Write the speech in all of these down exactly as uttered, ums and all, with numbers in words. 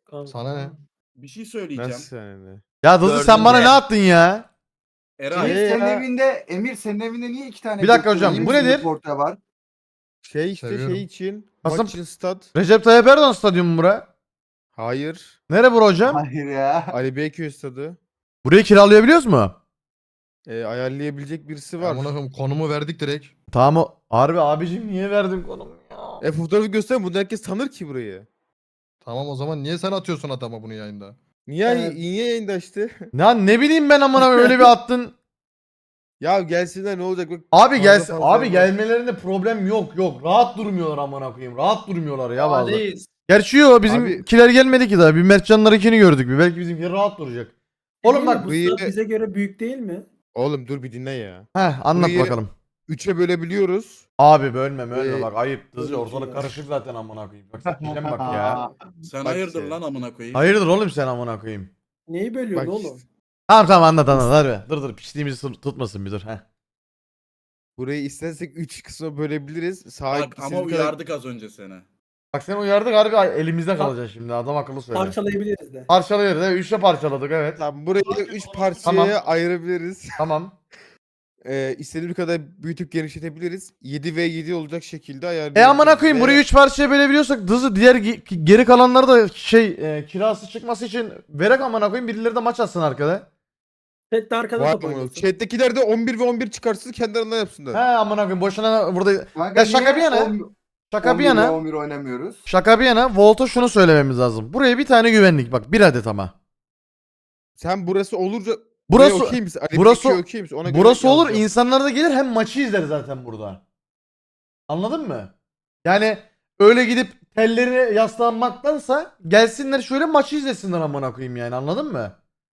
Kanka. Sana ne? Bir şey söyleyeceğim. Nasıl yani? Ya Dızı sen bana ne attın ya? Eray. Şey- Emir senin ya. evinde Emir senin evinde niye iki tane Bir dakika Göktuğ hocam, iyi bu misin nedir? Porta var? Şey işte Seviyorum. şey için. Kasım- Maç için stat. Recep Tayyip Erdoğan stadyumu bura. Hayır. Nere bura hocam? Hayır ya. Ali Beyköy stadı. Burayı kiralayabiliyoruz mu? Ee, ayarlayabilecek birisi var. Amına koyayım konumu verdik direkt. Tamam o. Harbi abicim niye verdin konumu ya? E fotoğrafı göster, bunu herkes tanır ki burayı. Tamam o zaman niye sen atıyorsun adama bunu yayında? Niye, Evet. niye yayında işte? Ya ne bileyim ben amına öyle bir attın. Ya gelsinler ne olacak? Bak, Abi fazla gelsin. fazla Abi var. gelmelerinde problem yok yok. Rahat durmuyorlar amına koyayım. Rahat durmuyorlar ya vallahi. Aleyiz. Gerçi yok bizimkiler gelmedi ki daha. Bir Mertcanlarınkini gördük. Bir belki bizimkiler rahat duracak. Oğlum bak. Bu burayı- stat bize göre büyük değil mi? Oğlum dur bir dinle ya. Heh anlat burayı- bakalım. Üçe bölebiliyoruz. Abi bölme bölme Ee, bak ayıp. Dızı öyle ortalık şey karışık zaten amına koyayım. Bak sikeceğim bak ya. Sen Bak hayırdır işte. lan amına koyayım. Hayırdır oğlum sen amına koyayım. Neyi bölüyorsun Bak oğlum? işte. Tamam tamam anlat anlat hadi. Dur dur piçliğimizi tut- tutmasın bir dur. Heh. Burayı istersek üç kısma bölebiliriz. Sahip Bak ama uyardık az önce seni. Bak sen uyardık harbi elimizde kalacak şimdi adam akıllı söyle. Parçalayabiliriz de. Parçalıyoruz evet. Üçte parçaladık evet. Tamam, burayı üç parçaya Tamam. ayırabiliriz. Tamam. Ee, istediğimiz kadar büyütüp genişletebiliriz. yedi ve yedi olacak şekilde E ayarlayabiliriz. amına koyayım Ve- burayı üç parçaya bölebiliyorsak Dızı diğer ge- geri kalanları da şey e, kirası çıkması için verek amına koyayım birileri de maç atsın arkada. Chat'te arkada Var top mı? oynasın. Chat'tekiler de on bir ve on bir çıkarsın kendi aralarında yapsınlar. He amına koyayım boşuna burada Kanka Ya şaka niye bir yana, on- şaka on bir bir ve yana on bir oynamıyoruz. şaka bir yana Volt'a şunu söylememiz lazım. Buraya bir tane güvenlik bak bir adet ama. Sen burası olurca Burası buraya okey misin? Ali burası- Bekir'e okey misin? Ona göre burası olur yazacağım. insanlar da gelir hem maçı izler zaten burada. Anladın mı? Yani öyle gidip tellerine yaslanmaktansa gelsinler şöyle maçı izlesinler amına koyayım yani anladın mı?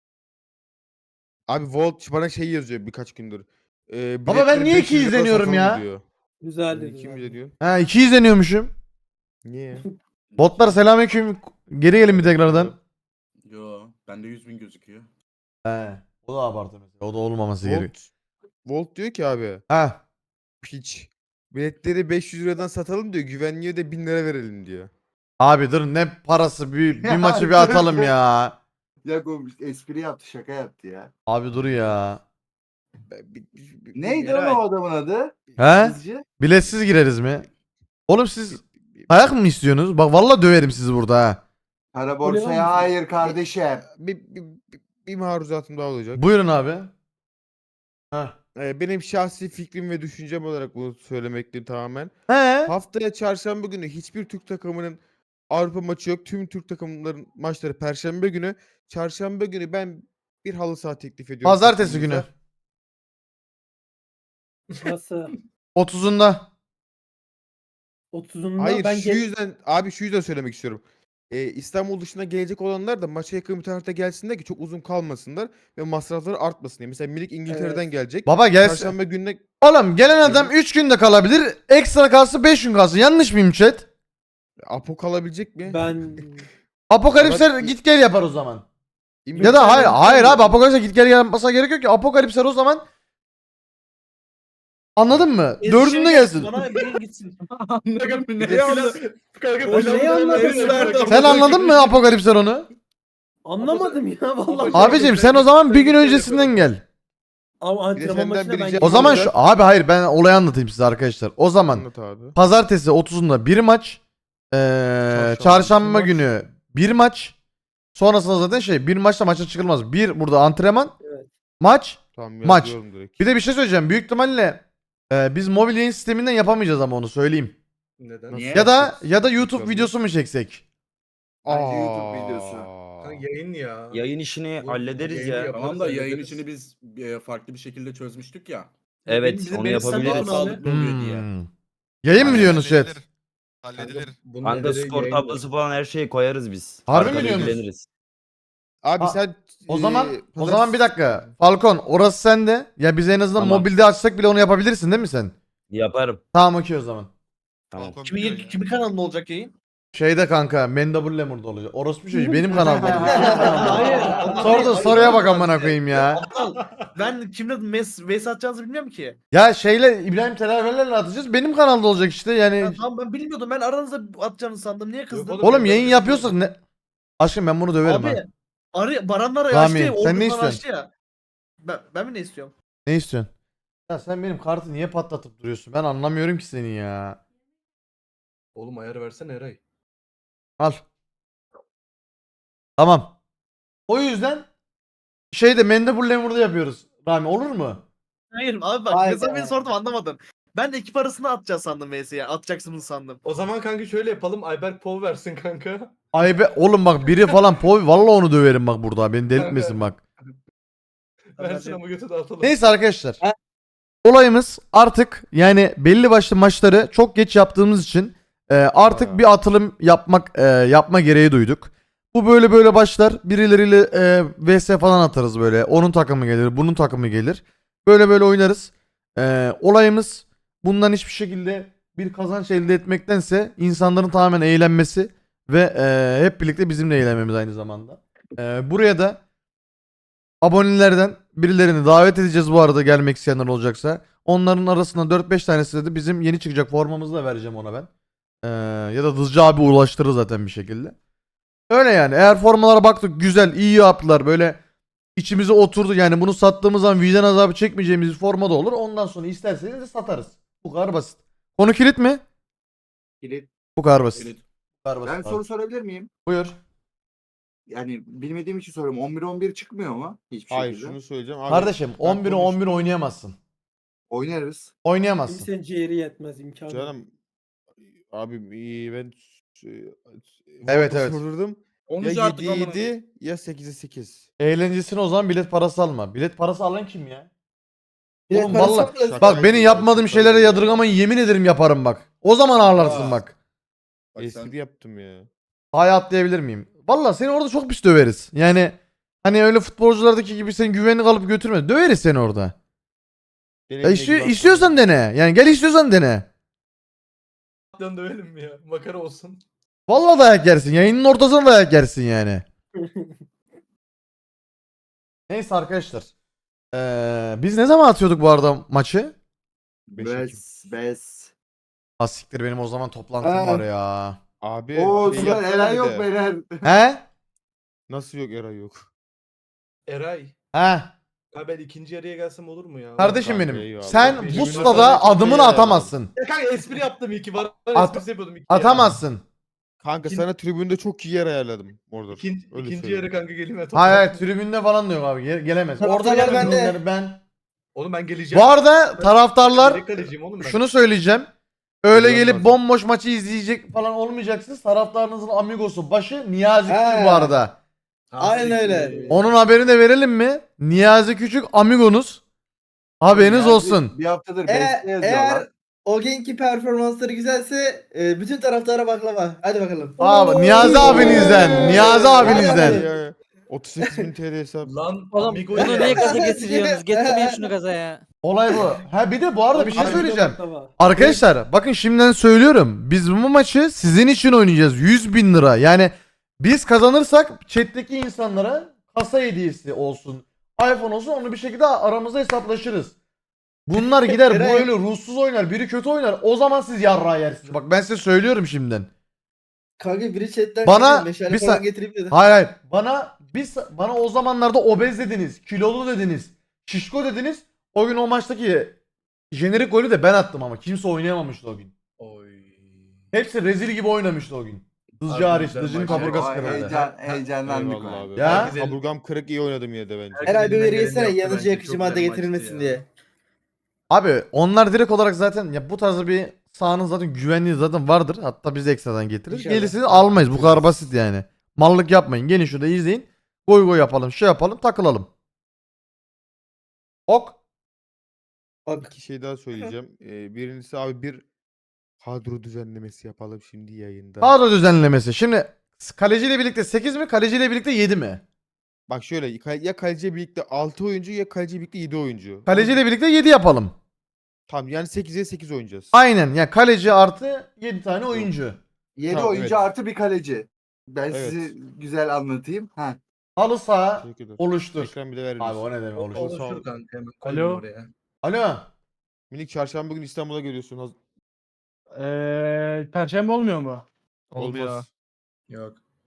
Abi Volt bana şey yazıyor birkaç gündür. Ee, Baba ben biletleri niye beş iki yüz lira izleniyorum satalım ya? Diyor. Güzeldi. Niye kim güzeldi. diyor? Ha iki izleniyormuşum. Niye? Botlar selamünaleyküm. Geri gelin bir tekrardan. Yo bende yüz bin gözüküyor. He. O da abartı mesela. O da olmaması gerekiyor. Volt, Volt diyor ki abi Ha. piç. Biletleri beş yüz liradan satalım diyor. Güvenliğe de bin lira verelim diyor. Abi dur ne parası bir, bir Ya maçı bir dur. atalım ya. Ya o espri yaptı şaka yaptı ya. Abi dur ya. Ben- bi- bi- bi- Neydi Eray, lan o adamın adı? He? Kızcı. Biletsiz gireriz mi? Oğlum siz bi- bi- ayak mı istiyorsunuz? Bak vallahi döverim sizi burada ha. Kara Öyle borsaya lan. hayır kardeşim. Bir, bir, bir, bir maruzatım daha olacak. Buyurun abi. Ha. Ee, benim şahsi fikrim ve düşüncem olarak bunu söylemekteyim tamamen. He. Haftaya çarşamba günü hiçbir Türk takımının Avrupa maçı yok. Tüm Türk takımların maçları perşembe günü. Çarşamba günü ben bir halı saha teklif ediyorum. Pazartesi günü. takımımıza. Nasıl? otuzunda. otuzunda Hayır ben şu gel- yüzden abi şu yüzden söylemek istiyorum. Ee, İstanbul dışına gelecek olanlar da maça yakın bir tarihte gelsinler ki çok uzun kalmasınlar ve masrafları artmasın diye. Mesela Milik İngiltere'den Evet. gelecek. Baba gelsin. Çarşamba gününe Oğlum gelen adam üç günde kalabilir. Ekstra kalsın beş gün kalsın. Yanlış mıyım chat? Apo kalabilecek mi? ben Apokalipsler Evet. git gel yapar o zaman. İmkan- Ya da hayır Mükemmel hayır mükemmel. abi Apokalips'e git gel yapmasa gerek yok ki. Apokalipsler o zaman anladın mı? Dördünde gelsin. Bana bir gitsin. Anladım Bir ne de anladın? O neyi anladın? Sen anladın mı Apokalipsler onu? Anlamadım ya vallahi. Abicim sen o zaman bir gün öncesinden gel. Ama Bir de antrenman senden maçına biri ben cep- O zaman olacak. şu abi hayır ben olayı anlatayım size arkadaşlar. O zaman Anlat abi. pazartesi otuzunda bir maç. Ee, Çarşamba çarşamba iki maç. günü bir maç. Sonrasında zaten şey bir maçta maça çıkılmaz. Bir burada antrenman. Evet. Maç. Tamam Maç. yazıyorum direkt. Bir de bir şey söyleyeceğim. Büyük ihtimalle e, biz mobil yayın sisteminden yapamayacağız ama onu söyleyeyim. Neden? Niye? Ya da ya da YouTube Tabii. videosu mu çeksek? Bence YouTube videosu. Kanka yayın ya. Yayın işini Bu- hallederiz yayını ya. yap- Tamam da Yaparız, yayın hallederiz. işini biz e, farklı bir şekilde çözmüştük ya. Evet, bizim- onu benim sen Daha yapabiliriz. bana- sağlıklı oluyor diye. Hmm. Yayın mı diyorsunuz chat? Halledilir. Bunun Kanka nedeni skor yayın- tablosu falan her şeyi koyarız biz. Harbi mi Arkada diyorsunuz? ilgileniriz. Abi Aa, sen O e, zaman o pazar- zaman bir dakika. Falcon orası sende. Ya biz en azından Tamam. mobilde açsak bile onu yapabilirsin değil mi sen? Yaparım. Tamam okey o zaman. Tamam. Kimi, kimi kanalında olacak yayın? Şeyde kanka Mendable Lemur'da olacak. Orospu çocuğu benim kanalda olacak. Hayır. Sordu soruya bak amına koyayım ya. Aptal. Ben kimle mes mes atacağınızı bilmiyorum ki. Ya şeyle İbrahim Telaverlerle atacağız. Benim kanalda olacak işte yani. Ya tamam ben bilmiyordum. Ben aranızda atacağınızı sandım. Niye kızdın? oğlum, Oğlum ben yayın böyle yapıyorsak ne? Aşkım ben bunu döverim ha. Abi arı, Baranlar Rami, açtı ya. sen ne Orkunlar istiyorsun? açtı ya. Ben, ben mi ne istiyorum? Ne istiyorsun? Ya sen benim kartı niye patlatıp duruyorsun? Ben anlamıyorum ki seni ya. Oğlum ayar versene Eray. Al. Tamam. O yüzden şeyde Mendebur Lemur'da yapıyoruz. Rami olur mu? Hayır abi bak Hayda. mesela beni sordum anlamadın. Ben de ekip arasında atacağız sandım V S'ye. Atacaksınız sandım. O zaman kanka şöyle yapalım. Ayberk Pov versin kanka. Ay be oğlum bak biri falan pov vallahi onu döverim bak burada. Beni delirtmesin bak. Versin ama götü dağıtalım. Neyse arkadaşlar. Olayımız artık yani belli başlı maçları çok geç yaptığımız için e, artık Ha. bir atılım yapmak e, yapma gereği duyduk. Bu böyle böyle başlar. Birileriyle e, V S falan atarız böyle. Onun takımı gelir, bunun takımı gelir. Böyle böyle oynarız. E, olayımız bundan hiçbir şekilde bir kazanç elde etmektense insanların tamamen eğlenmesi ve e, hep birlikte bizimle eğlenmemiz aynı zamanda. E, buraya da abonelerden birilerini davet edeceğiz bu arada gelmek isteyenler olacaksa. Onların arasında dört beş tanesi de bizim yeni çıkacak formamızı da vereceğim ona ben. Ee, ya da Dızcı abi ulaştırır zaten bir şekilde. Öyle yani. Eğer formalara baktık güzel iyi yaptılar böyle içimize oturdu yani bunu sattığımız zaman vicdan azabı çekmeyeceğimiz bir forma da olur. Ondan sonra isterseniz de satarız. Bu kadar basit. Konu kilit mi? Kilit. Bu kadar basit. Kilit. Bu kadar basit Ben abi. soru sorabilir miyim? Buyur. Yani bilmediğim için soruyorum. on bir on bir çıkmıyor mu? Hiçbir Hayır şekilde. şunu söyleyeceğim. Abi, Kardeşim ben on bire on bir konuş- oynayamazsın. Oynarız. Oynayamazsın. Kimsenin ciğeri yetmez imkanı. yok. Canım abi iyi, ben Evet, Volta evet. sordum. Ya onuncu artık yediye amına yedi ya sekize sekiz. Eğlencesine o zaman bilet parası alma. Bilet parası alan kim ya? Bilet Oğlum parası vallahi- yok da- Bak beni yapmadığım şeylere yadırgamayın yemin ederim yaparım bak. O zaman ağlarsın Aa. bak. Bak sen- Espri yaptım ya. Haya atlayabilir miyim? Valla seni orada çok pis döveriz. Yani hani öyle futbolculardaki gibi seni güvenlik alıp götürme. Döveriz seni orada. Benim Ya ne istiyor, gibi istiyorsan dene. Yani gel istiyorsan dene. Dön dövelim mi ya? Makara olsun. Valla dayak yersin. Yayının ortasına dayak yersin yani. Neyse arkadaşlar. Ee, biz ne zaman atıyorduk bu arada maçı? Beş Ekim. Bes. Bes. Asiktir benim o zaman toplantım Aa. var ya. Abi Oo şey Sinan yapsana Eren bir yok de. beyler. He? Nasıl yok Eray yok. Eray. He. Ha ben ikinci yarıya gelsem olur mu ya? Kardeşim kanka, benim. eyvallah. Sen Benim bu de stada sana adımını çok iyi atamazsın. Ya kanka espri yaptım iki var. At- Esprisi yapıyordum iki ya. Atamazsın. Kanka İkin- sana tribünde çok iyi yer ayarladım orada. İkinci, Öyle ikinci söyleyeyim. yarı kanka geleyim ya. Hayır hayır tribünde falan diyor abi. Ge- gelemez. Orada Taraftarlar gelemez. bende. Onları Ben. Oğlum ben geleceğim. Bu arada taraftarlar Yedek kaleciyim oğlum ben. şunu söyleyeceğim. Öyle Bilmem gelip lazım. bomboş maçı izleyecek falan olmayacaksınız. Taraftarınızın amigosu başı Niyazi Küçük He. bu arada. Ha, Aynen siktir. öyle. Onun haberini de verelim mi? Niyazi Küçük amigonuz. Haberiniz Yani olsun. Bir haftadır E- beste yazıyorlar. eğer o günkü performansları güzelse e, bütün taraftara baklava. Hadi bakalım. Abi Niyazi Oo. abinizden. Niyazi abinizden. Ya, otuz sekiz bin T L hesap. Lan Oğlum amigo bunu ya. niye gaza getiriyorsunuz? Getirmeyin şunu gaza ya. Olay bu. Ha bir de bu arada bir şey Abi, söyleyeceğim. baklava. Arkadaşlar bakın şimdiden söylüyorum. Biz bu maçı sizin için oynayacağız. yüz bin lira. Yani biz kazanırsak chat'teki insanlara kasa hediyesi olsun. iPhone olsun onu bir şekilde aramızda hesaplaşırız. Bunlar gider bu Eray- öyle ruhsuz oynar. Biri kötü oynar. O zaman siz yarrağı yersiniz. Bak ben size söylüyorum şimdiden. Kanka biri chatten Bana dedi, meşale bir falan sa- getireyim dedi. Hayır hayır. Bana biz bana o zamanlarda obez dediniz. Kilolu dediniz. Şişko dediniz. O gün o maçtaki jenerik golü de ben attım ama kimse oynayamamıştı o gün. Oy. Hepsi rezil gibi oynamıştı o gün. Dızcı Abi hariç. güzel Dızcı'nın maç. kaburgası Ay, kırıldı. heyecan, heyecanlandık. Eyvallah lan. abi. Ya? Herkes el- Kaburgam kırık iyi oynadım yine de bence. Herkes Eray bir elinden veri geleni yesene yaptı yanıcı bence. yakıcı Çok madde güzel getirilmesin maçtı ya. diye. Abi onlar direkt olarak zaten ya bu tarz bir sahanın zaten güvenliği zaten vardır. Hatta biz ekstradan getiririz. İnşallah. Gelirsiniz almayız. Bu kadar basit yani. Mallık yapmayın. Gelin şurada izleyin. Goy goy yapalım. Şey yapalım. Takılalım. Ok. Bak. İki şey daha söyleyeceğim. Ee, birincisi abi bir kadro düzenlemesi yapalım şimdi yayında. Kadro düzenlemesi. Şimdi kaleciyle birlikte sekiz mi? Kaleciyle birlikte yedi mi? Bak şöyle ka- ya kaleciyle birlikte altı oyuncu ya kaleciyle birlikte yedi oyuncu. Kaleciyle birlikte yedi yapalım. Tamam yani sekize sekiz oynayacağız. Aynen. Ya kaleci artı yedi tane oyuncu. yedi Tamam, oyuncu evet. artı bir kaleci. Ben Evet. size güzel anlatayım. Ha. Halı saha Teşekkür ederim. oluştur. Ekran bir de verir Abi misin? o ne demek O- oluştur. Oluşur kanka hemen. Alo. Alo. Oraya. Alo. Minik çarşamba gün İstanbul'a geliyorsun. Haz- Eee Perşembe olmuyor mu? Olmuyor. Olmaz. Yok.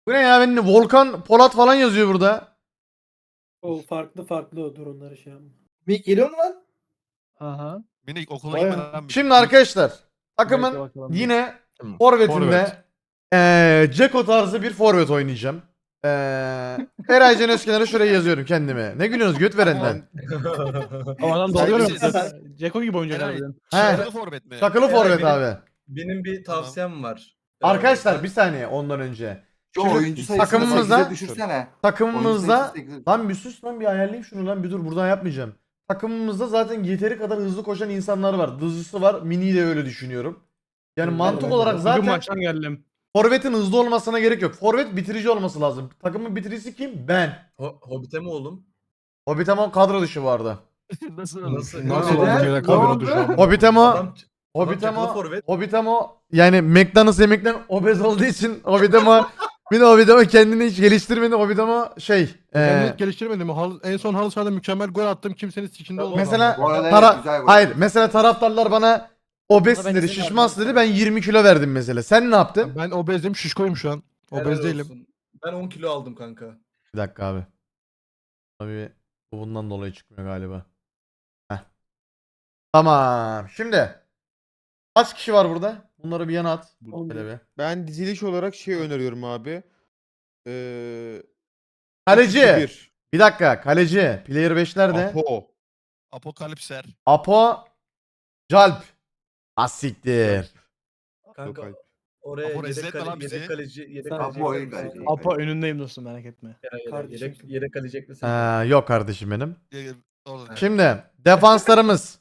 Bu ne ya? Benim Volkan Polat falan yazıyor burada. O farklı farklı durumları şey yapma. Mik geliyor mu lan? Aha. Minik okula Bayağı. gitmeden bir- Şimdi arkadaşlar Bekle takımın bakalım. yine Tamam. forvetinde Forvet. eee Ceko tarzı bir forvet oynayacağım. Eee Eray Can Özkenar'a şuraya yazıyorum kendime. Ne gülüyorsunuz göt verenden? Ama adam Sen dalıyor misin? ya. Ceko gibi oyuncu Eray, harbiden. Şarkılı forvet mi? Takılı Eray forvet benim- abi. Benim bir tavsiyem var. Arkadaşlar bir saniye ondan önce. Şu Şimdi oyuncu sayısını takımımıza- sekize düşürsene. Oyuncu Takımımızda sayısı sekize- lan bir sus lan bir ayarlayayım şunu lan bir dur buradan yapmayacağım. Takımımızda zaten yeteri kadar hızlı koşan insanlar var. Dızlısı var. Mini'yi de öyle düşünüyorum. Yani Ben mantık de- olarak Bugün zaten maçtan geldim. forvetin hızlı olmasına gerek yok. Forvet bitirici olması lazım. Takımın bitiricisi kim? Ben. Ho Hobbit'e mi oğlum? Hobbitemo kadro dışı bu arada. Nasıl? Nasıl? Nasıl oldu? Neden? Ne oldu? Hobbitemo Adam, Hobbitemo Adam forvet. Hobbitemo yani McDonald's yemekten obez olduğu için Hobbitemo bir de Hobbitemo kendini hiç geliştirmedi. Hobbitemo şey Ben eee, hiç geliştirmedim. Hal- En son halı sahada mükemmel gol attım. Kimsenin sikinde olmadı. mesela Bu arada Tara- evet, güzel gol. hayır mesela taraftarlar bana obezsin ben dedi, izin şişmansın verdim. dedi. Ben yirmi kilo verdim mesela. Sen ne yaptın? Ben obezim, şişkoyum şu an. Helal Obez değilim. olsun. Ben on kilo aldım kanka. Bir dakika abi. Tabii bu bundan dolayı çıkmıyor galiba. Heh. Tamam. Şimdi kaç kişi var burada? Bunları bir yana at. Şöyle bir. Ben diziliş olarak şey öneriyorum abi. Ee, Kaleci. iki bir. Bir dakika. Kaleci. Player beş nerede? Apo. Apokalipser. Apo. Calp. Asiktir. Kanka Yok, oraya Apo yedek, rezil etme kale, lan bizi. yedek kaleci yedek Sen- kaleci. Apo ekler oyun misin? kaleci. Apo önündeyim dostum merak etme. yedek, Kardeşim. yedek, yedek kaleci eklesin. Ee, yok kardeşim benim. Ee, orada. Şimdi defanslarımız.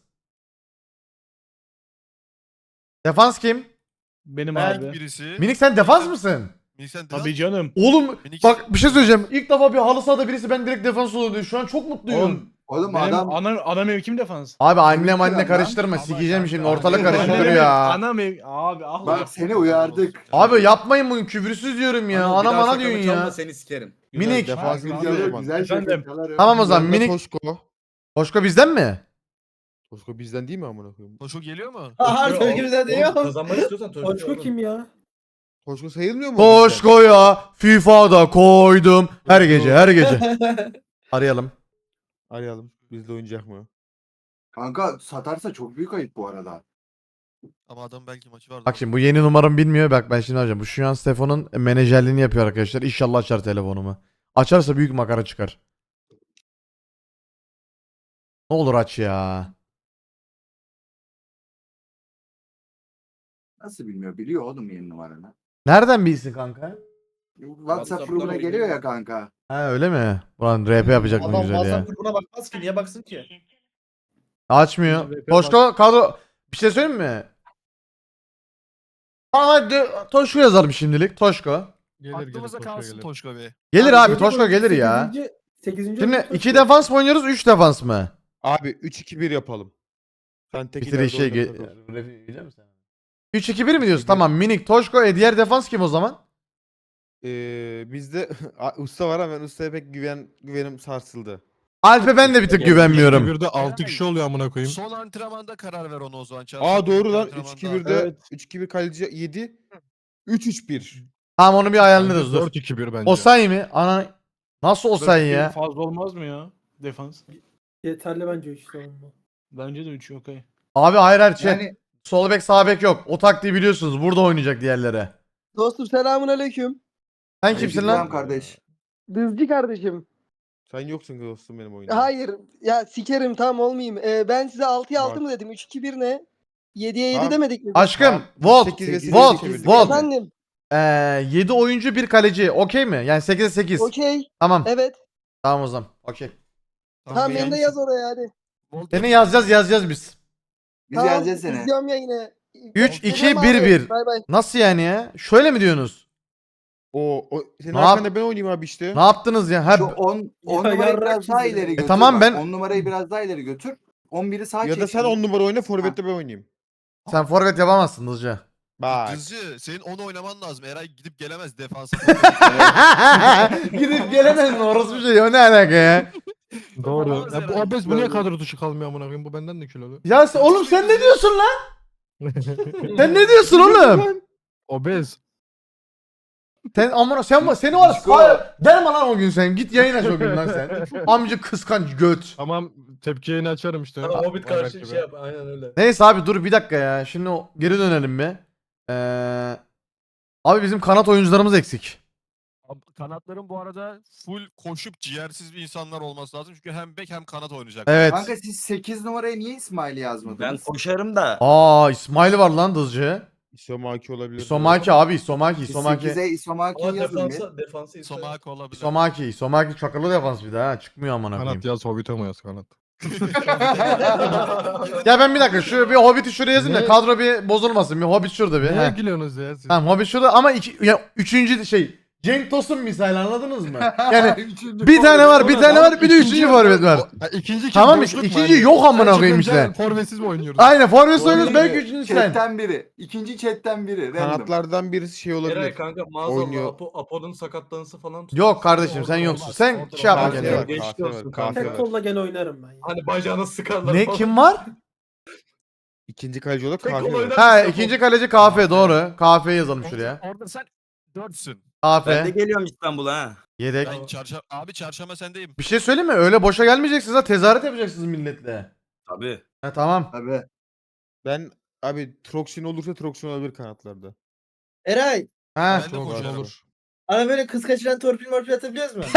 Defans kim? Benim Ben abi. birisi. Minik sen defans mısın? Minik sen Tabii canım. Oğlum Minik- bak bir şey söyleyeceğim. İlk defa bir halı sahada birisi ben direkt defans oluyor. Şu an çok mutluyum. Oğlum Oğlum benim adam ana, ana mevkim defans. Abi annem Komik anne lan. karıştırma. Ama Sikeceğim kanka, şimdi abi. ortalık Ana karıştırıyor mevki- ya. Ana mev... Abi ah. bak seni uyardık. Abi yapmayın bunu küfürsüz diyorum ya. Anıl, bir Ana daha bana sakalımı diyorsun çalma, ya. seni sikerim. Minik. Defansın Abi, güzel o Güzel, zaman. güzel Efendim? şakalar. Tamam o zaman Yanında minik. Toşko. Toşko bizden mi? Toşko bizden değil mi amına koyayım? Toşo geliyor mu? Aha Oğlum, çok güzel oğlum, diyor. Kazanmak istiyorsan Toşko. Toşko kim ya? Toşko sayılmıyor mu? o bizden? Toşko'ya FIFA'da koydum. Her gece her gece. Arayalım. Arayalım. Bizde oynayacak mı? Kanka satarsa çok büyük ayıp bu arada. Ama adam belki maçı vardı. Bak şimdi bu yeni numaramı bilmiyor. Bak ben şimdi arayacağım. Bu şu an Stefan'ın menajerliğini yapıyor arkadaşlar. İnşallah açar telefonumu. Açarsa büyük makara çıkar. Ne olur aç ya. Nasıl bilmiyor? Biliyor oğlum yeni numaranı. Nereden bilsin kanka? WhatsApp WhatsApp'tan grubuna oynuyor. geliyor ya kanka. Ha öyle mi? Ulan R P yapacak mı Adam güzel ya. WhatsApp grubuna bakmaz ki niye baksın ki? Açmıyor. R P Toşko kadro... Bir şey söyleyeyim mi? Tamam hadi Toşko yazalım şimdilik. Toşko. Gelir, gelir, Aklımıza Toşko kalsın gelir. Toşko be. Gelir abi Toşko Toşko gelir ya. sekizinci Şimdi iki defans mı oynuyoruz üç defans mı? Abi üç iki bir yapalım. Sen tek Bitir ileride şey oynatmak olsun. üç iki bir mi diyorsun? Tamam minik Toşko e diğer defans kim o zaman? Ee, bizde A- usta var ama ben ustaya pek güven güvenim sarsıldı. Alp'e ben de bir tık güvenmiyorum. Bir de altı kişi oluyor amına koyayım. Son antrenmanda karar ver onu o zaman. Aa Çarşamba doğru günü lan antrenmanda. üç iki birde Evet. üç iki bir kaleci yedi. üç üç bir. Tamam onu bir ayarlarız dur. dört iki bir bence. Osayi mi? Ana nasıl Osayi ya? Fazla olmaz mı ya? Defans. Yeterli bence işte savunma. Bence de üç okey. Abi hayır hayır chat. Yani Sol bek sağ bek yok. O taktiği biliyorsunuz. Burada oynayacak diğerlere. Dostum selamun aleyküm. Sen kimsin Aleykümselam lan? kardeş. Dızcı kardeşim. Sen yoksun ki dostum benim oyunda. Hayır ya sikerim tam olmayayım. Ee, ben size altıya altı Bak. mı dedim? üç iki bir ne? yediye yedi Tamam. demedik mi? Aşkım. Tamam, Volt. sekiz ve sekiz Volt. çevirdik. Volt. Efendim. Ee, yedi oyuncu bir kaleci. Okey mi? Yani sekize sekiz. Okey. Tamam. Evet. Tamam o zaman. Okey. Tamam beni beni de yaz oraya hadi. Volt Seni yapıyor. yazacağız yazacağız biz. Biz Tamam, yazacağız seni. İzliyorum ya yine. üç iki Geliyorum bir abi, bir. Bay bay. Nasıl yani ya? Şöyle mi diyorsunuz? O, o senin Ne yap- arkanda ben oynayayım abi işte. Ne yaptınız ya? Ha, Şu on on Ya numarayı yarrak biraz daha çizdi. ileri E götür. tamam, bak. ben- on numarayı biraz daha ileri götür. on biri sağ Ya çek. da sen şimdi. on numara oyna forvette ben oynayayım. sen forvet yapamazsın hızlıca. Bak. Dızcı senin onu oynaman lazım. Eray gidip gelemez defansa. Gidip gelemez mi? Orası bir şey. O ne alaka ya? Doğru. Yapamaz Ya bu herhalde. obez bu niye kadro dışı kalmıyor amına koyayım? Bu benden de kilolu. Ya sen- oğlum sen ne diyorsun lan? Sen ne diyorsun oğlum? Obez. Sen amına sen seni var ya gelme lan o gün sen git yayın aç o gün lan sen. Amca kıskanç göt. Tamam tepki yayını açarım işte. Tamam Hobbit Ayberk karşı gibi. şey yap. Aynen öyle. Neyse abi dur bir dakika ya. Şimdi o- geri dönelim bir. Ee, abi bizim kanat oyuncularımız eksik. Abi, Kanatların bu arada full koşup ciğersiz bir insanlar olması lazım. Çünkü hem bek hem kanat oynayacak. Evet. Kanka siz sekiz numaraya niye İsmail'i yazmadınız? Ben koşarım da. Aa İsmail var lan dızcı. Isomaki olabilir. Isomaki abi Isomaki Siz Isomaki. sekize İsomaki'yi Ama yazın bir. defansa, defansı İsmail. Somak olabilir. Isomaki Isomaki çakılı defans bir daha ha. Çıkmıyor amına koyayım. Kanat yaz Hobbit'e mi yaz kanat? Ya ben bir dakika şu bir Hobbit'i şuraya yazayım da Ne? kadro bir bozulmasın. Bir Hobbit şurada bir. Neye Heh. gülüyorsunuz ya siz? Tamam Hobbit şurada ama iki, ya, üçüncü şey Cenk Tosun misali anladınız mı? Yani Üçüncü bir tane var bir Oğlum, tane abi var bir de ikinci üçüncü yarı- forvet var. O- Ha, İkinci kim? Tamam Boşluk mu ikinci hani? yok amına Sen koyayım çıkınca işte. Forvetsiz mi oynuyoruz? Aynen forvet Doğru oynuyoruz değil belki mi? üçüncü sen. Chatten biri. İkinci chatten biri. Random. Kanatlardan birisi şey olabilir. Eray kanka maazallah Oynuyor. Apo, Apo'nun sakatlanısı falan tutuyor. Yok kardeşim sen Orada yoksun. olmaz, Sen orada şey yapma olmaz. Kafe kendine. var, Geçmiş kafe var, olsun kafe kanka. Tek kolla gene oynarım ben. ya. Hani bacağını sıkarlar Ne falan. kim var? İkinci kaleci olarak Tek kafe kol var. oynar Ha mısın ikinci Apo? kaleci Kafe doğru. Kafe'yi yazalım şuraya. Orada sen dörtsün. Ben de Kafe. geliyorum İstanbul'a ha. Yedek. Ben çarşamba, abi çarşamba sendeyim. Bir şey söyleyeyim mi? Öyle boşa gelmeyeceksiniz ha. Tezahürat yapacaksınız milletle. Tabii. Ha tamam. Tabii. Ben abi Troxin olursa Troxin olabilir kanatlarda. Eray. Ha. Ben de Çok koşarım. olur. Ana böyle kız kaçıran torpil morpil atabiliyoruz mu?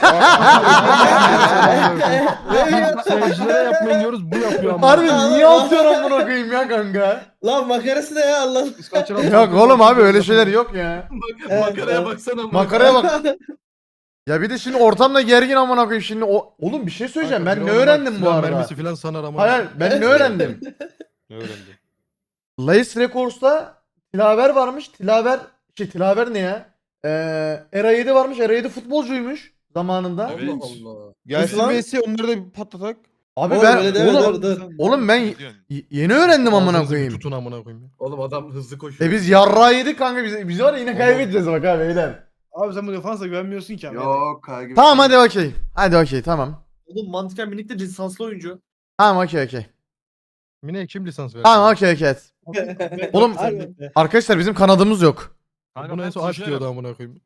Seyircilere yapmayın diyoruz bu yapıyor ama. Harbi niye atıyorsun amına koyayım ya kanka? Lan makarası da ya Allah. Biz kaçıran Yok Troxin oğlum abi yapıyoruz. öyle şeyler yok ya. Makaraya baksana. Makaraya bak. Ya bir de şimdi ortamda gergin amına koyayım şimdi o oğlum bir şey söyleyeceğim Kanka, ben biri ne ona bak, öğrendim bu silah arada? mermisi falan sanar ama. Hayır ben ne öğrendim? Ne öğrendin? Lace Records'ta Tilaver varmış. Tilaver şey Tilaver ne ya? Ee, Era yedi varmış. Era yedi futbolcuymuş zamanında. Evet. Allah Allah. Gelsin lan? V S onları da bir patlatak. Abi Oğlum, ben öyle deme, oğlum, dur, dur. oğlum ben Ne diyorsun? y- yeni öğrendim amına Ağzınızı bir koyayım. Tutun amına koyayım. Oğlum adam hızlı koşuyor. E biz yarrağı yedik kanka biz, biz var ya yine kaybedeceğiz bak abi beyler. Abi sen bu defansa güvenmiyorsun ki abi. Yok kanka. Tamam hadi okey. Hadi okey tamam. Oğlum mantıken minik de lisanslı oyuncu. Tamam okey okey. Mine kim lisans verdi? Tamam okey okey. Oğlum Harbi. arkadaşlar bizim kanadımız yok. Kanka Bunu en ben son aç koşarım. diyordu amına koyayım.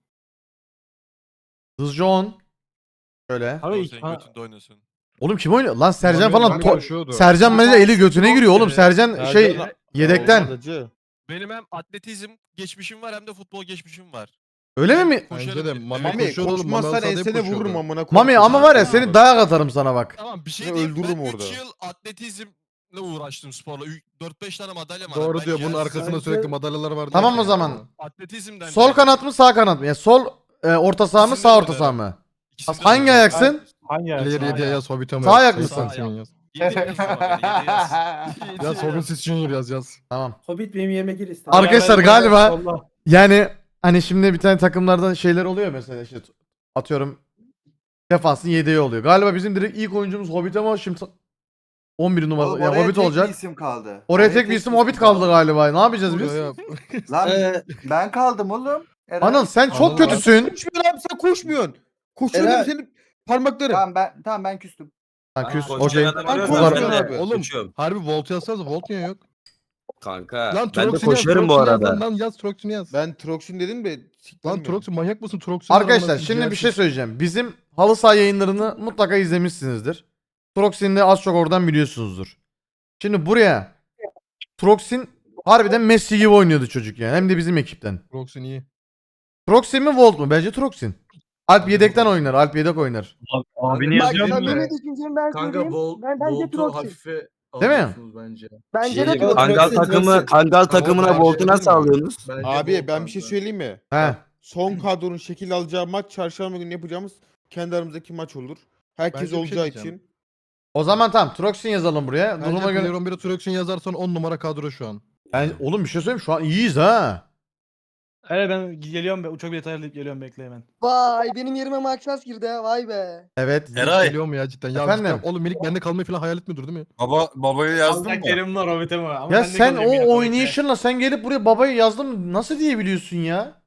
Hızcı on. Şöyle. Doğru, Abi senin götünde oynasın. Oğlum kim oynuyor? Lan Sercan Ulan falan. benim to- koşuyordu. Sercan bence eli götüne giriyor oğlum. Sercan şey Sercan- yedekten. Olmadıcı. Benim hem atletizm geçmişim var hem de futbol geçmişim var. Öyle mi? Koşarım Bence de dedim. Mami Mami koşuyordu oğlum. Mami koşmazsan Alsat hep ensene koşuyordu. vururum amına koyayım. Mami ama var ya Abi. seni dayak atarım sana bak. Tamam bir şey Seni diyeyim. öldürürüm Ben orada. üç yıl atletizmle uğraştım sporla. dört beş tane madalya var. Doğru Ben diyor. Bunun gelsin- arkasında sürekli madalyalar vardı. Tamam o zaman. Atletizmden Sol dolayı. kanat mı sağ kanat mı? Ya sol e, orta saha mı İkisini sağ de orta saha mı? İkisini de Hangi oynarım. ayaksın? Hangi İleri yediye yaz Hobbit'e mi Sağ yaz? ayak Sayın mısın? Sensin yaz. Yedi yaz sonra, yedi yaz. Yaz Hobbit siz Junior yaz yaz. Tamam. Hobbit benim yerime gir istedim. Arkadaşlar galiba Solla. yani hani şimdi bir tane takımlardan şeyler oluyor mesela işte atıyorum defansın yedeği oluyor. Galiba bizim direkt ilk oyuncumuz Hobbit ama şimdi on bir numara Oğlum, ya oraya Hobbit tek olacak. bir isim kaldı. Oraya tek bir isim Hobbit kaldı galiba. Ne yapacağız biz? Buraya- Lan Ee, ben kaldım oğlum. Eray. Anıl sen çok Anıl abi. kötüsün. Koşmuyorsun abi sen koşmuyorsun. Koşuyor Eren. senin parmakların. Tamam ben tamam ben küstüm. Ha, küs. Ben Okey. koşarım, Ben ben koşarım de abi. Oğlum koşuyorum. harbi Volt yazsanız Volt niye yok? Kanka Lan ben de Troxin'i yaz, koşarım bu Troxin'i yaz arada. Lan, lan yaz Troxin'i yaz. Ben Troxin dedim de. Lan Troxin manyak mısın Troxin? Arkadaşlar şimdi bir şey söyleyeceğim. Bizim halı saha yayınlarını mutlaka izlemişsinizdir. Troxin'i de az çok oradan biliyorsunuzdur. Şimdi buraya Troxin harbiden Messi gibi oynuyordu çocuk yani. Hem de bizim ekipten. Troxin iyi. Troxin mi Volt mu? Bence Troxin. Alp yedekten oynar. Alp yedek oynar. Bak Abini yazıyor samimi mu? düşüncemi ben Kanka söyleyeyim. Vol, Ben bence Volt'u Troxin. hafife Değil mi? alıyorsunuz bence. Bence Şey, de Troxin. Kangal Troxin, takımı, Troxin. Kangal takımına bence Volt'u değil nasıl mi? alıyorsunuz? Bence Abi Volt ben bir şey kanka. söyleyeyim mi? He. Son kadronun şekil alacağı maç çarşamba günü yapacağımız kendi aramızdaki maç olur. Herkes Bence bir şey olacağı diyeceğim. için. O zaman tamam Troxin yazalım buraya. Bence Duruma göre. Player on bire Troxin yazarsan on numara kadro şu an. Ben, oğlum bir şey söyleyeyim şu an iyiyiz ha. Evet ben geliyorum be uçak bileti ayarlayıp geliyorum bekle hemen. Vay benim yerime Maxas girdi ha vay be. Evet. Eray. Geliyor mu ya cidden? Ya Efendim? cidden, oğlum Minik bende kalmayı falan hayal etmiyordur değil mi? Baba babayı yazdım mı? Kerim var Hobbit'e mi? Ama Ya ben de sen kalayım yine o Hobbit'e. oynayışınla sen gelip buraya babayı yazdım nasıl diyebiliyorsun ya?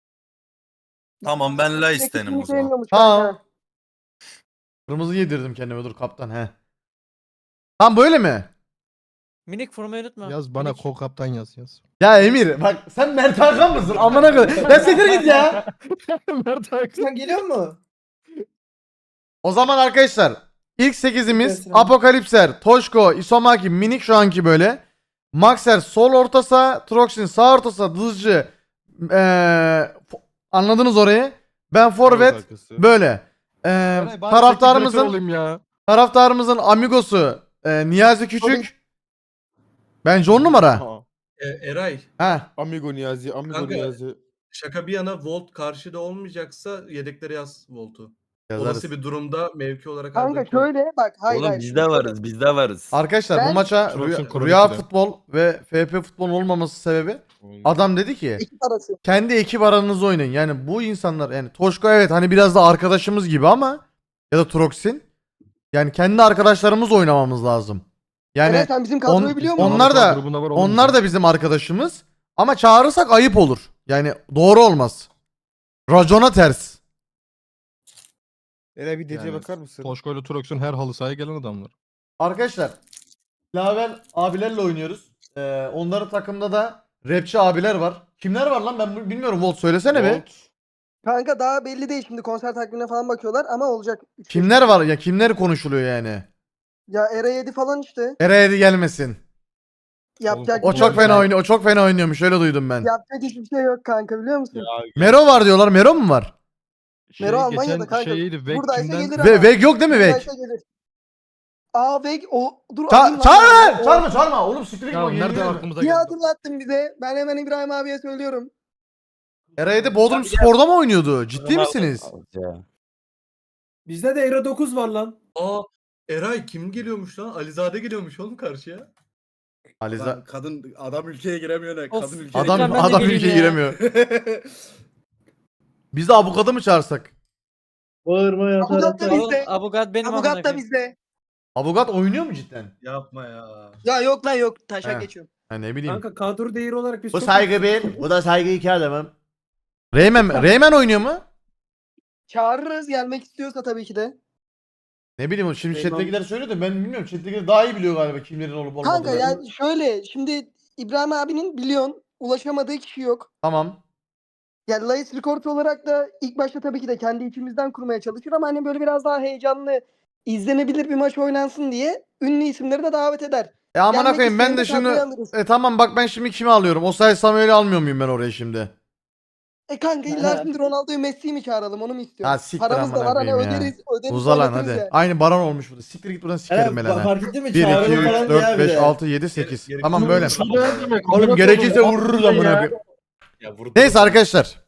Tamam ben la Teknik sevmiyormuş Tamam. kanka. Kırmızı yedirdim kendime dur kaptan he. Tamam böyle mi? Minik formayı unutma. Yaz bana Minik. kol kaptan yaz yaz. Ya Emir bak sen Mert Hakan mısın? Amına koyayım. Ya siktir git ya. Mert Hakan. Sen geliyor mu? O zaman arkadaşlar ilk sekizimiz Gelsin abi. Apokalipser, Toşko, Isomaki, Minik şu anki böyle. Maxer sol orta saha, Troxin sağ orta saha, Dızcı. Eee, fo- anladınız orayı. Ben forvet arkası. böyle. Eee, Eray, bari teknik direktör taraftarımızın olayım ya. taraftarımızın amigosu eee, Niyazi Küçük. Bence on numara. Ha, E, Eray Ha. Amigo Niyazi, Amigo Kanka, Niyazi. şaka bir yana Volt karşıda olmayacaksa yedeklere yaz Volt'u. Yazarız. Olası bir durumda mevki olarak Kanka Arda'yı koy. şöyle bak hayır Oğlum hayır. biz şimdi de şöyle. varız biz de varız. Arkadaşlar bu Ben- maça Troxin rüya, Kronik'te. rüya futbol ve F P futbol olmaması sebebi adam dedi ki Ekip arası. kendi ekip aranızda oynayın. Yani bu insanlar yani Toşko evet hani biraz da arkadaşımız gibi ama ya da Troxin yani kendi arkadaşlarımız oynamamız lazım. Yani Eray sen bizim kadroyu on- biliyor musun? onlar da Grubunda var oğlum onlar bizim. da bizim arkadaşımız ama çağırırsak ayıp olur. Yani doğru olmaz. Racona ters. Eray bir D C Yani bakar mısın? Toşko ile Trox'un her halı sahaya gelen adamlar. Arkadaşlar Lavel abilerle oynuyoruz. Ee, onların takımda da rapçi abiler var. Kimler var lan ben bu- bilmiyorum Volt söylesene be. Volt. Kanka daha belli değil şimdi konser takvimine falan bakıyorlar ama olacak. Üç beş Kimler var ya kimler konuşuluyor yani. Ya Era yedi falan işte. Eray'ı gelmesin. Yapacak O bir çok şey fena yok. oynuyor. O çok fena oynuyormuş. Öyle duydum ben. Yapacak hiçbir şey yok kanka biliyor musun? Mero var diyorlar. Mero mu var? Mero Almanya'da geçen kanka. şeyiydi, Vek Buradaysa kimden- gelir ama. Ve Veg yok değil mi Veg? Buradaysa gelir. Aa Veg o dur Ça alayım lan. çağırma! O- Çağırma çağırma. Oğlum siktir git Ya bak. nereden yeniliyorum. aklımıza Bir geldi? hatırlattın bize. Ben hemen İbrahim abiye söylüyorum. Eray'da Bodrum Spor'da mı oynuyordu? Ciddi misiniz? Bizde de Euro dokuz var lan. Aa Eray kim geliyormuş lan? Alizade geliyormuş oğlum karşıya. Aliza Kadın adam ülkeye giremiyor ne? Of. Kadın ülkeye adam Ben de adam geleyim ülkeye ya. giremiyor. Biz de avukatı mı çağırsak? Bağırma ya Abugat da taraftar. bizde. Abugat benim amına Abugat da koyayım. bizde. Avukat oynuyor mu cidden? Yapma ya. Ya yok lan yok. He. Taşak geçiyorum. Ha ne bileyim. Kanka kadro değeri olarak biz Bu çok- saygı bir, bu da saygı iki adamım. Reymen, Reymen oynuyor mu? Çağırırız gelmek istiyorsa tabii ki de. Ne bileyim şimdi Reymen- chat'tekiler söylüyor da ben bilmiyorum. Chat'tekiler daha iyi biliyor galiba kimlerin olup olmadığını. Kanka yani şöyle şimdi İbrahim abinin biliyorsun ulaşamadığı kişi yok. Tamam. Yani Layıs Record olarak da ilk başta tabii ki de kendi içimizden kurmaya çalışır ama hani böyle biraz daha heyecanlı izlenebilir bir maç oynansın diye ünlü isimleri de davet eder. E amına Gelmek koyayım ben isteyeni de de şimdi kadroya alırız. e tamam bak ben şimdi kimi alıyorum? Osay Samuel'i almıyor muyum ben oraya şimdi? E kanka illa şimdi Ronaldo'yu Messi'yi mi çağıralım onu mu istiyorsun? Ha, siktir Paramız da amına var hani koyayım ya. öderiz öderiz. Uza lan oynatırız hadi. ya. Aynı Baran olmuş burada. Siktir git buradan sikerim Evet, belana. fark ettin mi? bir, iki, Çağrı'nın üç, falan dört, ya bir beş, de. altı, yedi, sekiz. Gerek- Tamam böyle. demek? Oğlum gerekirse vururuz amına koyayım. Ya vurdu. Neyse arkadaşlar.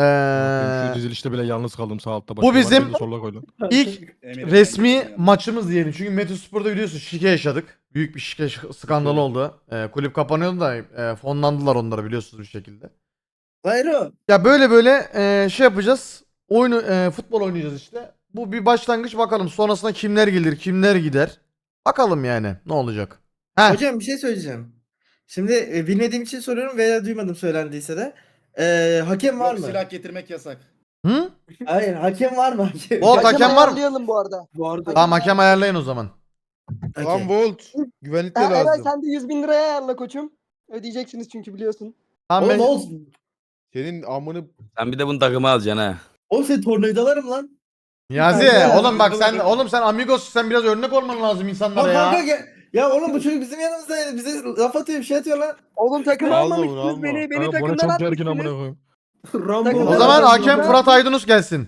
Şu Ee, dizilişte bile yalnız kaldım sağ altta. bu bizim- Solla koy lan. ilk resmi maçımız diyelim. Çünkü Metospor'da biliyorsun şike yaşadık. Büyük bir şike ş- skandalı oldu. Ee, kulüp kapanıyordu da e, fonlandılar onları biliyorsunuz bir şekilde. Bayro. Ya böyle böyle e, şey yapacağız. Oyunu e, futbol oynayacağız işte. Bu bir başlangıç bakalım. Sonrasında kimler gelir, kimler gider. Bakalım yani ne olacak. Heh. Hocam bir şey söyleyeceğim. Şimdi e, bilmediğim için soruyorum veya duymadım söylendiyse de. E, hakem var mı? getirmek yasak. Hı? Hayır hakem var mı? Hakem, Volt hakem var mı? ayarlayalım bu arada. Bu arada. Tamam hakem ayarlayın o zaman. Lan Volt. Güvenlik de Ha, Eray lazım. sen de yüz bin liraya ayarla koçum. Ödeyeceksiniz çünkü biliyorsun. Tamam Oğlum ben... ne olsun? Senin amını Sen bir de bunu takıma alacaksın ha. Oğlum seni tornavidalarım lan. Niyazi Kanka, oğlum bak sen kanka. oğlum sen amigos sen biraz örnek olman lazım insanlara Bak kanka ya. gel. Ya oğlum bu çocuk bizim yanımızdaydı. Bize laf atıyor bir şey atıyor lan. Oğlum takım Alma bunu, almamışsınız alma. beni. Beni Kanka bana takımdan çok gergin amına atmışsınız. koyayım. Rambo. O zaman hakem Fırat Aydınus gelsin.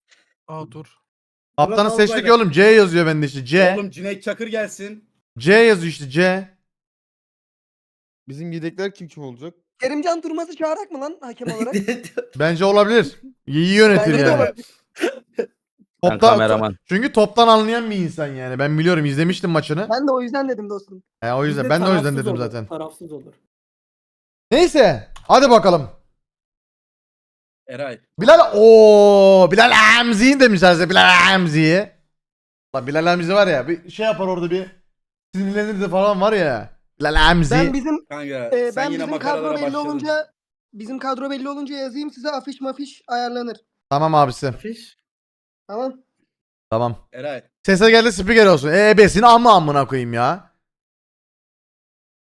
Aa dur. Kaptanı Fırat seçtik Albayrak. oğlum C yazıyor bende işte C. Cüneyt Çakır gelsin. C yazıyor işte C. bizim yedekler kim kim olacak? Kerimcan Durmaz'ı çağırak mı lan hakem olarak? Bence olabilir. İyi yönetir Bence de yani. olabilir. Ben Topta, kameraman. çünkü toptan anlayan bir insan yani. Ben biliyorum izlemiştim maçını. Ben de o yüzden dedim dostum. He, o yüzden ben de o yüzden dedim zaten. Tarafsız olur. Neyse hadi bakalım. Eray. Bilal o Bilal Hamzi'yi demişler size Bilal Hamzi'yi. Lan Bilal Hamzi var ya bir şey yapar orada bir sinirlenir de falan var ya. Bilal Hamzi. Ben bizim Kanka e, ben bizim kadro belli olunca bizim kadro belli olunca yazayım size afiş mafiş ayarlanır. Tamam abisi. Fiş. Tamam. Tamam. Eray. Sese geldi spiker olsun. E ebesini amma amına koyayım ya.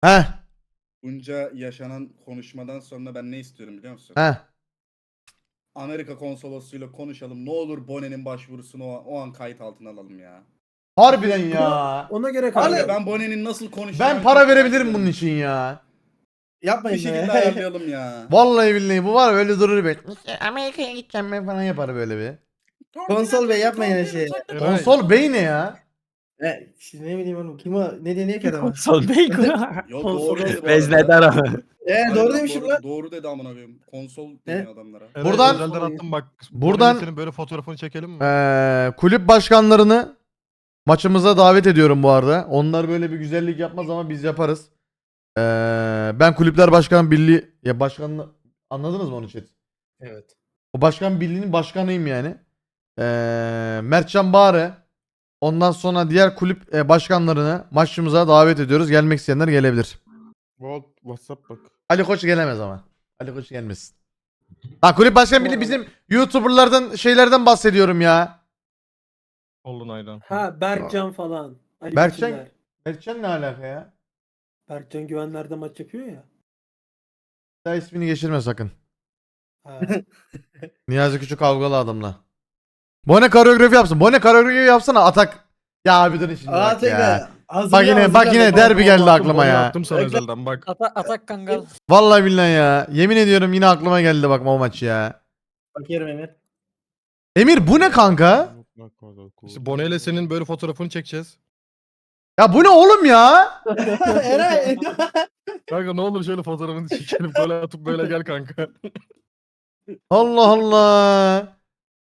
Heh. Bunca yaşanan konuşmadan sonra ben ne istiyorum biliyor musun? Heh. Amerika konsolosluğuyla konuşalım. Ne olur Bonnie'nin başvurusunu o, o an kayıt altına alalım ya. Harbiden ya. Ona göre Kanka ben Bonnie'nin nasıl konuşacağını Ben para çok merak verebilirim ediyorum. bunun için ya. Yapmayın Bir şekilde be. ayarlayalım ya. Vallahi billahi bu var ya, öyle durur be. Amerika'ya gideceğim ben falan yapar böyle bir. Konsol bey yapmayın her şeyi. Eray, Konsol bey ne ya? E, şimdi ne bileyim oğlum kim o ne deniyor ki adama? Konsol bey. Yok doğru dedi bu arada. Veznedar ama. E Harbiden doğru demişim doğru, lan. Doğru dedi amına koyayım. Konsol deniyor adamlara. Eray, Buradan- özelden attım bak. Buradan- Senin böyle fotoğrafını çekelim mi? Ee, kulüp başkanlarını maçımıza davet ediyorum bu arada. Onlar böyle bir güzellik yapmaz ama biz yaparız. Ee, ben kulüpler başkan birliği ya başkanını anladınız mı onu chat? Evet. O başkan birliğinin başkanıyım yani. Ee, Mertcan Bağrı. Ondan sonra diğer kulüp e, başkanlarını maçımıza davet ediyoruz. Gelmek isteyenler gelebilir. Volt WhatsApp bak. Ali Koç gelemez ama. Ali Koç gelmesin. Ha kulüp başkan birliği bizim YouTuber'lardan şeylerden bahsediyorum ya. Olun aydan. Ha Berkcan falan. Ali Berkcan- Biçimler. Mertcan ne alaka ya? Berkcan Güvenler'de maç yapıyor ya. Daha ismini geçirme sakın. Ha. Niyazi Küçük kavgalı adamla. Bone koreografi yapsın. Bone koreografi yapsana Atak. Ya abi dur şimdi Aa bak ya. tekrar. Hazır Bak yine bak yine derbi geldi aklıma ya. Attım sana özelden bak. Ata atak kangal. Vallahi billahi ya. Yemin ediyorum yine aklıma geldi bak o maç ya. Bakıyorum Emir. Emir bu ne kanka? İşte Bone ile senin böyle fotoğrafını çekeceğiz. Ya bu ne oğlum ya? Eray. Kanka ne olur şöyle fotoğrafını çekelim böyle atıp böyle gel kanka. Allah Allah.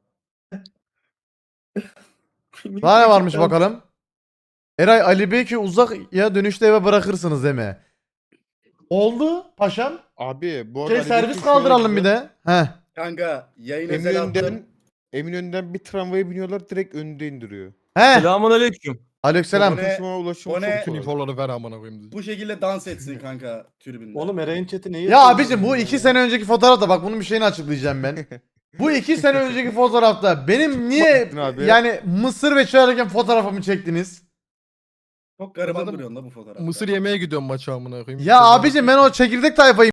Daha ne varmış bakalım. Eray Ali Beyki uzak ya dönüşte eve bırakırsınız deme. Oldu paşam. Abi bu arada Şey Ali servis Bekir kaldıralım şöyle bir de. Heh. Kanka yayın özel attım. Eminönü'nden Eminönü'nden bir tramvaya biniyorlar direkt önünde indiriyor. Heh. Selamun aleyküm. Aleykümselam. Bone- Ulaşıma ulaşım Bone- çok Bütün kolay. infoları ver amına koyayım. Bu şekilde dans etsin kanka tribünde. Oğlum Eray'ın chat'i neyi? Ya abicim bu iki sene önceki fotoğrafta bak bunun bir şeyini açıklayacağım ben. Bu iki sene önceki fotoğrafta benim niye Baktın abi. yani mısır ve çağırırken fotoğrafımı çektiniz? Çok gariban Adam- duruyorsun da bu fotoğrafta. Mısır yemeye gidiyorum maça amına koyayım. Ya abicim ben o çekirdek tayfayım.